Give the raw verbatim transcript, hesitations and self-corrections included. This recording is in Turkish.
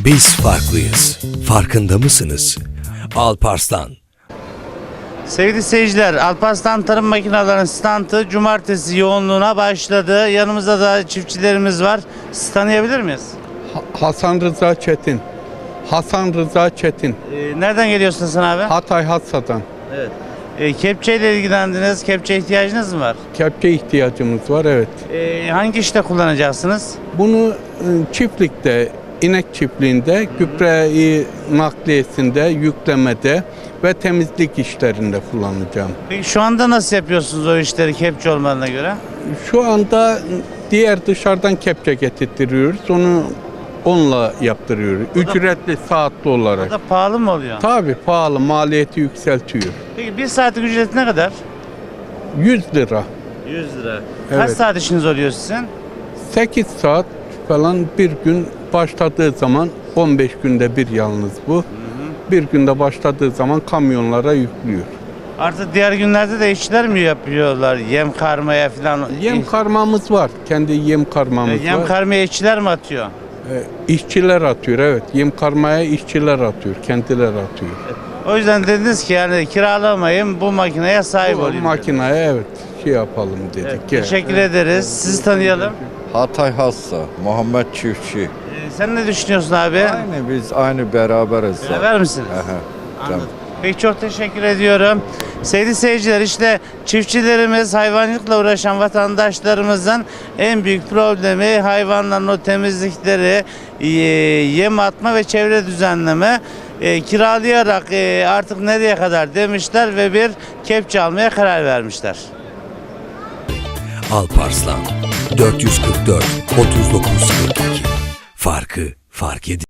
Biz farklıyız. Farkında mısınız? Alparslan. Sevgili seyirciler, Alparslan Tarım Makinelerinin standı cumartesi yoğunluğuna başladı. Yanımızda da çiftçilerimiz var. Sizi tanıyabilir miyiz? Ha- Hasan Rıza Çetin. Hasan Rıza Çetin. Ee, nereden geliyorsun sen abi? Hatay Hassa'dan. Evet. Ee, kepçeyle ilgilendiniz. Kepçe ihtiyacınız mı var? Kepçe ihtiyacımız var, evet. Ee, hangi işte kullanacaksınız? Bunu e, çiftlikte, inek çiftliğinde, gübre nakliyesinde, yüklemede ve temizlik işlerinde kullanacağım. Peki şu anda nasıl yapıyorsunuz o işleri kepçe olmadığına göre? Şu anda diğer dışarıdan kepçe getirtiyoruz. Onu onunla yaptırıyoruz. Ücretli saatli O olarak. da pahalı mı oluyor? Tabii pahalı, maliyeti yükseltiyor. Peki bir saatlik ücret ne kadar? yüz lira. yüz lira. Kaç Evet. saat işiniz oluyor sizin? sekiz saat falan bir gün başladığı zaman, on beş günde bir yalnız bu. Bir günde başladığı zaman kamyonlara yüklüyor. Artık diğer günlerde de işçiler mi yapıyorlar? Yem karmaya falan. Yem karmamız var. Kendi yem karmamız Yem var. karmaya işçiler mi atıyor? Ee, işçiler atıyor, evet. Yem karmaya işçiler atıyor. Kendileri atıyor. O yüzden dediniz ki yani kiralamayın, bu makineye sahip Bu olayım. dediniz. makineye evet şey yapalım dedik. Evet, Evet. teşekkür ederiz. Sizi tanıyalım. Hatay Hassa, Muhammed Çiftçi. Ee, sen ne düşünüyorsun abi? Aynı biz aynı beraberiz. zaten. Beraber misiniz? Aha, Anladım. Peki çok teşekkür ediyorum. Sevgili seyirciler, işte çiftçilerimiz, hayvancılıkla uğraşan vatandaşlarımızın en büyük problemi hayvanların o temizlikleri, e, yem atma ve çevre düzenleme. E, kiralayarak e, artık nereye kadar demişler ve bir kepçe almaya karar vermişler. Alparslan. dört yüz kırk dört otuz dokuz kırk iki. Farkı fark edin.